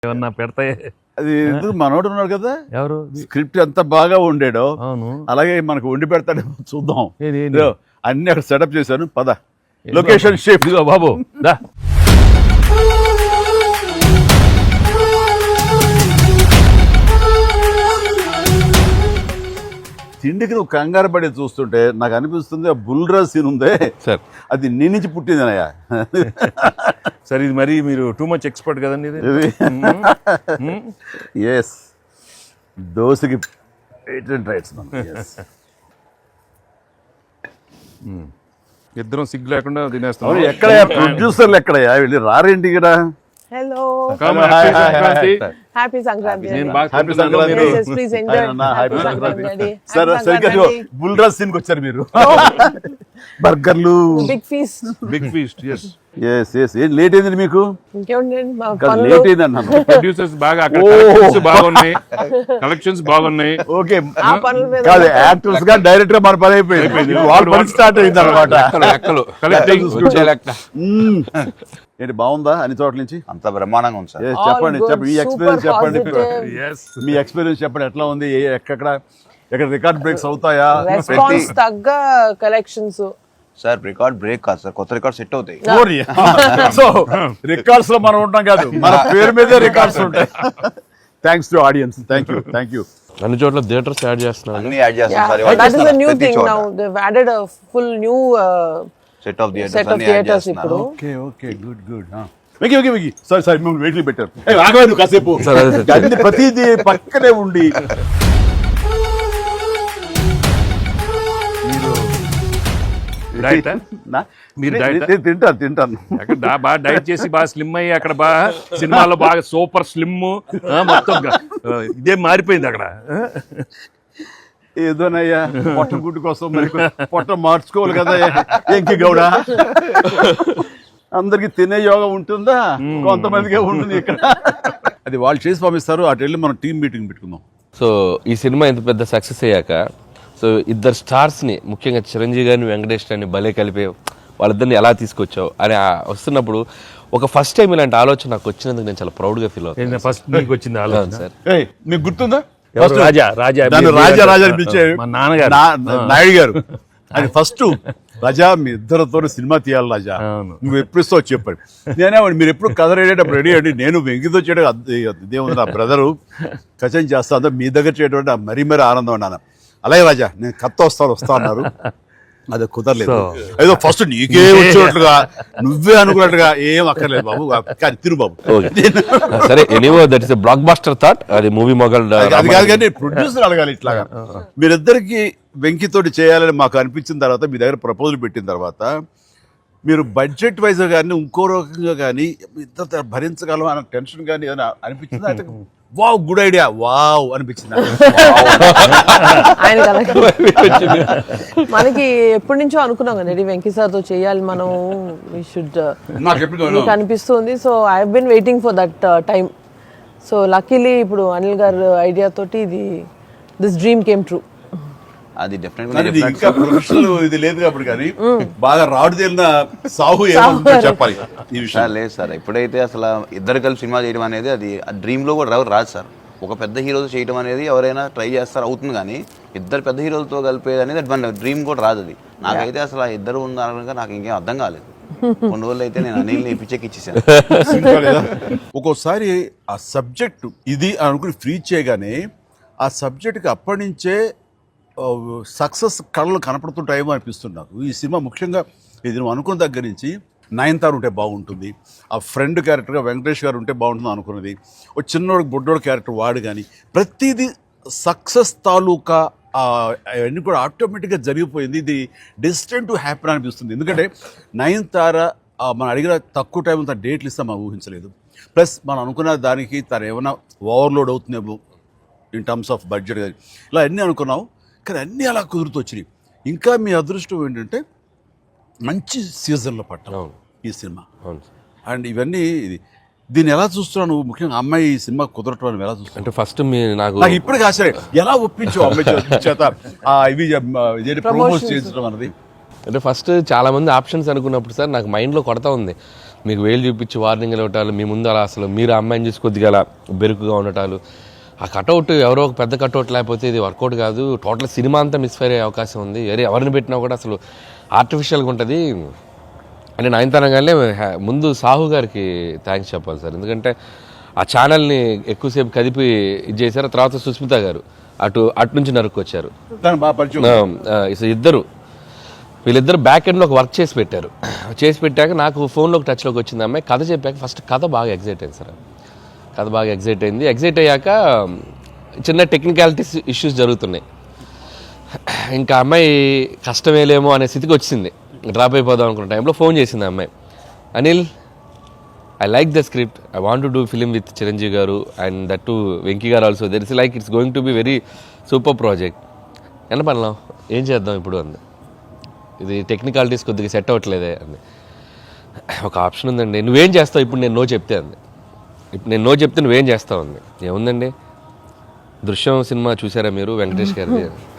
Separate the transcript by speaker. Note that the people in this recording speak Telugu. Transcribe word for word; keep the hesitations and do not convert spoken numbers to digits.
Speaker 1: ఏమన్నా పెడతాయి.
Speaker 2: అది మనోడు ఉన్నాడు కదా,
Speaker 1: ఎవరు
Speaker 2: స్క్రిప్ట్ ఎంత బాగా ఉండేడో
Speaker 1: అవును
Speaker 2: అలాగే మనకు వండి పెడతాడు. చూద్దాం.
Speaker 1: ఏది, ఏది?
Speaker 2: ఇదిగో అన్ని అక్కడ సెటప్ చేశాను. పద లొకేషన్ షిఫ్ట్.
Speaker 1: ఇదిగో బాబు దా.
Speaker 2: తిండికి నువ్వు కంగారు పడి చూస్తుంటే నాకు అనిపిస్తుంది ఆ బుల్రా సీన్ ఉందే
Speaker 1: సార్
Speaker 2: అది నీ నుంచి పుట్టిందనయ్యా.
Speaker 1: సార్ ఇది మరి మీరు టూ మచ్ ఎక్స్పర్ట్ కదండి ఇది.
Speaker 2: ఎస్ దోశకి పేటెంట్ రైట్స్ మనం.
Speaker 1: ఇద్దరం సిగ్గు లేకుండా తినేస్తాం.
Speaker 2: అవును, ఎక్కడయ్యా ప్రొడ్యూసర్లు ఎక్కడయ్యా వెళ్ళి రారేంటి ఇక్కడ?
Speaker 3: Hello.
Speaker 1: Come on,
Speaker 2: Hi,
Speaker 1: happy
Speaker 2: hi, hi,
Speaker 1: Sankranti.
Speaker 2: hi.
Speaker 3: Happy Sankranti.
Speaker 1: నేను
Speaker 3: Daddy.
Speaker 1: బాగా
Speaker 2: హ్యాపీ
Speaker 1: తింటున్నాను,
Speaker 2: సంక్రాంతి.
Speaker 1: మీరు-
Speaker 3: Yes, yes, please enjoy.
Speaker 2: అన్న,
Speaker 3: Happy
Speaker 2: happy
Speaker 3: Sankranti,
Speaker 2: Sankranti.
Speaker 3: Daddy.
Speaker 2: సరే
Speaker 3: Happy
Speaker 2: సరిగ్గా
Speaker 3: Sankranti.
Speaker 2: బుల్రాజ్ సీన్కి వచ్చారు మీరు. బర్గర్లు.
Speaker 3: Big feast.
Speaker 1: Big feast. Yes
Speaker 2: yes yes ఏం లేట్ అయింది మీకు?
Speaker 3: ఇంకేముందండి మా
Speaker 2: కాదు,
Speaker 3: పనులు.
Speaker 2: లేట్ అయింది అన్నాను.
Speaker 1: ప్రొడ్యూసర్స్ బాగా అక్కడ
Speaker 2: ఓ.
Speaker 1: కలెక్షన్స్ బాగున్నాయి, కలెక్షన్స్ బాగున్నాయి.
Speaker 2: ఓకే
Speaker 3: ఆ పనుల మీద
Speaker 2: కాదు, యాక్టర్స్ గా డైరెక్టర్ గా మన పని అయిపోయింది. వాళ్ళ పని స్టార్ట్ అయింది అనమాట.
Speaker 4: లెక్కలు
Speaker 1: Collecting.
Speaker 4: వచ్చే లెక్క
Speaker 2: ఏంటి బాగుందా అన్ని చోట్ల నుంచి?
Speaker 4: అంత బ్రహ్మాండంగా ఉంది సార్.
Speaker 2: Yes,
Speaker 3: All
Speaker 2: చెప్పండి
Speaker 3: good,
Speaker 2: చెప్పండి మీ
Speaker 3: super
Speaker 2: ఎక్స్పీరియన్స్ చెప్పండి.
Speaker 3: positive.
Speaker 1: ఎస్
Speaker 2: మీ ఎక్స్పీరియన్స్ చెప్పండి, ఎట్లా ఉంది? ఏ- ఎక్కడ ఎక్కడ రికార్డ్ బ్రేక్స్ అవుతాయా?
Speaker 3: రెస్పాన్స్ తగ్గ కలెక్షన్స్.
Speaker 4: సార్ రికార్డ్ బ్రేక్ కాదు సార్, కొత్త రికార్డ్ సెట్ అవుతాయి.
Speaker 2: సో రికార్డ్స్ లో మనం ఉంటాం కాదు, మన పేరు మీదే రికార్డ్స్ ఉంటాయి. Thanks to audience. Thank you thank you.
Speaker 5: అన్ని చోట్ల థియేటర్స్ యాడ్ చేస్తున్నారు.
Speaker 4: అన్ని యాడ్ చేస్తాం sir.
Speaker 3: That is a new thing now. They've added a full new uh,
Speaker 4: set of
Speaker 3: set
Speaker 4: theatres
Speaker 3: of
Speaker 4: అన్ని యాడ్
Speaker 3: theaters
Speaker 4: చేస్తున్నారు.
Speaker 3: ఇప్పుడు.
Speaker 2: Okay okay good good. వెకి వెకి వెకి సారీ సారీ మిమ్మల్ని వెయిట్లు పెట్టారు. ఏ ఆగవే నువ్వు కాసేపు. అన్ని ప్రతిదీ పక్కనే ఉండి
Speaker 1: డైట్
Speaker 2: నా-
Speaker 1: మీరు
Speaker 2: నే-
Speaker 1: diet ఆ?
Speaker 2: నేను తింటాను తింటాను.
Speaker 1: అక్కడ దా- బాగా డైట్ చేసి బాగా స్లిమ్ అయ్యి అక్కడ బాగా సినిమాలో బాగా సూపర్ స్లిమ్ మొత్తం గా- ఆ, ఇదే మారిపోయింది అక్కడ.
Speaker 2: ఏదోనయ్యా పొట్ట గుడ్డు కోసం మరి పొట్ట మార్చుకోవాలి కదా ఎంకి గౌడ. అందరికి తినే యోగం ఉంటుందా? కొంతమందికే ఉంటుంది ఇక్కడ. అది వాళ్ళు చేసి పంపిస్తారు, అటు వెళ్ళి మనం టీం మీటింగ్ పెట్టుకుందాం.
Speaker 5: సో ఈ సినిమా ఇంత పెద్ద సక్సెస్ అయ్యాక సో ఇద్దరు స్టార్స్ని ముఖ్యంగా చిరంజీవి గారిని వెంకటేష్ గారిని భలే కలిపే వాళ్ళిద్దరిని ఎలా తీసుకొచ్చావు అని ఆ వస్తున్నప్పుడు ఒక ఫస్ట్ టైం ఇలాంటి ఆలోచన నాకు వచ్చినందుకు నేను చాలా ప్రౌడ్గా ఫీల్ అవుతాను
Speaker 1: ఫస్ట్ నీకు వచ్చింది ఆలోచన
Speaker 5: సార్.
Speaker 2: ఏయ్, మీకు గుర్తుందా?
Speaker 1: ఎవరు?
Speaker 2: First
Speaker 1: రాజా రాజా
Speaker 2: దాన్ని
Speaker 1: మీరు-
Speaker 2: రాజా రాజా అని పిలిచే
Speaker 1: మా నాన్నగారు.
Speaker 2: నా- నాయుడు గారు. అది ఫస్ట్ రాజా మీ ఇద్దరితో సినిమా తీయాలి రాజా,
Speaker 1: అవును.
Speaker 2: నువ్వు ఎప్పుడు ఇస్తావు చెప్పండి. నేనే మీరు ఎప్పుడు కథ రెడీ రెడీ అండి, నేను వెంకితో చేయడం ఇదేముంది, నా బ్రదరు కచం చేస్తా మీ దగ్గర చేయడం మరీ మరీ ఆనందం అన్నాను. అలాగే రాజా నేను కథ వస్తాను వస్తా అన్నారు, అది కుదరలేదు. ఏదో ఫస్ట్ నీకే వచ్చినట్లుగా నువ్వే అనుకున్నట్టుగా ఏం అక్కర్లేదు బాబు, కానీ తిరు బాబు.
Speaker 5: సరే anyway that is blockbuster thought. అది మూవీ మొగల్
Speaker 2: అది కాదు కానీ ప్రొడ్యూసర్ అడగాలి ఇట్లాగా. మీరిద్దరికి వెంకితోటి చేయాలని మాకు అనిపించిన తర్వాత మీ దగ్గర ప్రపోజల్ పెట్టిన తర్వాత మీరు బడ్జెట్ వైజ్ కానీ ఇంకో రకంగా కానీ ఇద్దరు భరించగలం అన్న టెన్షన్ కానీ ఏదైనా అనిపించిందా? అంటే వావ్ గుడ్ ఐడియా వావ్ అనిపించిందా?
Speaker 3: ఆయన మనకి ఎప్పటి నుంచో అనుకున్నాం కదా వెంకీ సార్ తో చేయాలి మనం, వి షుడ్
Speaker 2: నాకు ఎప్పుడు
Speaker 3: మీకు అనిపిస్తుంది. So I have been waiting for that time. So luckily ఇప్పుడు అనిల్ గారు ఐడియా తోటి ఇది దిస్ డ్రీమ్ కేమ్ ట్రూ.
Speaker 4: అది డెఫినెట్
Speaker 2: కానీ ఇది ఇంకా ప్రొఫెషనల్ ఇది లేదు కాబట్టి కానీ బాగా రాడు తేలిన సాహు ఏమో చెప్పాలి ఈ విషయం.
Speaker 4: లేదు సార్, ఎప్పుడైతే అసలు ఇద్దరు కలిసి సినిమా చేయడం అనేది అది డ్రీమ్ లో కూడా రావు రాదు సార్. ఒక పెద్ద హీరోతో చేయడం అనేది ఎవరైనా ట్రై చేస్తారు అవుతుంది, కానీ ఇద్దరు పెద్ద హీరోలతో కలిపేది అనేది మన డ్రీమ్ కూడా రాదు. అది నాకైతే అసలు ఆ ఇద్దరు ఉన్నారనగా నాకు ఇంకేం అర్థం కాలేదు. కొన్ని రోజులు అయితే నేను అనిల్ని పిచ్చెక్కి ఇచ్చేసాను.
Speaker 2: ఒక్కోసారి ఆ సబ్జెక్టు ఇది అనుకుని ఫ్రీ చేయగానే ఆ సబ్జెక్ట్కి అప్పటి నుంచే సక్సెస్ కళలు కనపడుతుంటాయేమో అనిపిస్తుంది నాకు. ఈ సినిమా ముఖ్యంగా ఇది నువ్వు అనుకున్న దగ్గర నుంచి నయనతార ఉంటే బాగుంటుంది, ఆ ఫ్రెండ్ క్యారెక్టర్గా వెంకటేష్ గారు ఉంటే బాగుంటుంది అనుకున్నది, ఒక చిన్నోడు బుడ్డోడు క్యారెక్టర్ వాడు కానీ ప్రతిదీ సక్సెస్ తాలూకా అవన్నీ కూడా ఆటోమేటిక్గా జరిగిపోయింది. ఇది డెస్టిన్ టు హ్యాపీ అనిపిస్తుంది. ఎందుకంటే నయనతార మనం అడిగిన తక్కువ టైం అంత డేట్లు ఇస్తే మనం ఊహించలేదు. ప్లస్ మనం అనుకున్న దానికి తను ఏమైనా ఓవర్లోడ్ అవుతుందేమో ఇన్ టర్మ్స్ ఆఫ్ బడ్జెట్ కానీ ఇలా అన్నీ అనుకున్నాం, కానీ అన్నీ అలా కుదురుతూ వచ్చినాయి. ఇంకా మీ అదృష్టం ఏంటంటే మంచి సీజన్లో పట్టాం ఈ సినిమా. అండ్ ఇవన్నీ ఇది దీన్ని ఎలా చూస్తున్నావు నువ్వు? ముఖ్యంగా అమ్మాయి ఈ సినిమా కుదరటం అని ఎలా చూస్తావు?
Speaker 5: అంటే ఫస్ట్ మీ నాకు
Speaker 2: నాకు ఇప్పటికీ ఆశ్చర్యం, ఎలా ఒప్పించావు అమ్మాయి చేత ఇవి ప్రమోట్ చేయించడం అన్నది?
Speaker 5: అంటే ఫస్ట్ చాలా మంది ఆప్షన్స్ అనుకున్నప్పుడు సార్ నాకు మైండ్లో కొడతా ఉంది, మీకు వేలు చూపించి వార్నింగ్ ఇవ్వటాలు, మీ ముందు అలా అసలు మీరు ఆ అమ్మాయిని చూసి కొద్దిగా అలా బెరుకుగా ఉండటాలు, ఆ కటౌట్ ఎవరో ఒక పెద్ద కటౌట్ లేకపోతే ఇది వర్కౌట్ కాదు, టోటల్ సినిమా అంతా మిస్ఫైర్ అయ్యే అవకాశం ఉంది, వేరే ఎవరిని పెట్టినా కూడా అసలు ఆర్టిఫిషియల్గా ఉంటుంది అని నయనతారగానే ముందు సాహు గారికి థ్యాంక్స్ చెప్పాలి సార్. ఎందుకంటే ఆ ఛానల్ని ఎక్కువసేపు కదిపి ఇది చేశారు. తర్వాత సుస్మిత గారు అటు అటు నుంచి నరుక్కొచ్చారు.
Speaker 2: దాని బాగా పరిచయం.
Speaker 5: ఆ, సో ఇద్దరు వీళ్ళిద్దరు బ్యాక్ ఎండ్లో ఒక వర్క్ చేసి పెట్టారు. చేసి పెట్టాక నాకు ఫోన్లోకి టచ్లోకి వచ్చింది అమ్మాయి. కథ చెప్పాక ఫస్ట్ కథ బాగా ఎగ్జైట్ అయింది సార్. కథ బాగా ఎగ్జైట్ అయింది. ఎగ్జైట్ అయ్యాక చిన్న టెక్నికాలిటీస్ ఇష్యూస్ జరుగుతున్నాయి. ఇంకా అమ్మాయి కష్టమేలేమో అనే స్థితికి వచ్చింది. డ్రాప్ అయిపోదాం అనుకున్న టైంలో ఫోన్ చేసింది అమ్మాయి. Anil, I like the script, I want to do film with Chiranjeevi garu and that to Venky garu also. There is like it's going to be very super project. ఎంత పడలాం, ఏం చేద్దాం ఇప్పుడు అంది. ఇది టెక్నికాలిటీస్ కొద్దిగా సెట్ అవ్వట్లేదే అంది. ఒక ఆప్షన్ ఉందండి, నువ్వేం చేస్తావు ఇప్పుడు నేను నో చెప్తే అంది. ఇప్పుడు నేను నో చెప్తే నువ్వేం చేస్తావు అంది. ఏముందండి, దృశ్యం సినిమా చూసారా మీరు, వెంకటేష్ గారిది?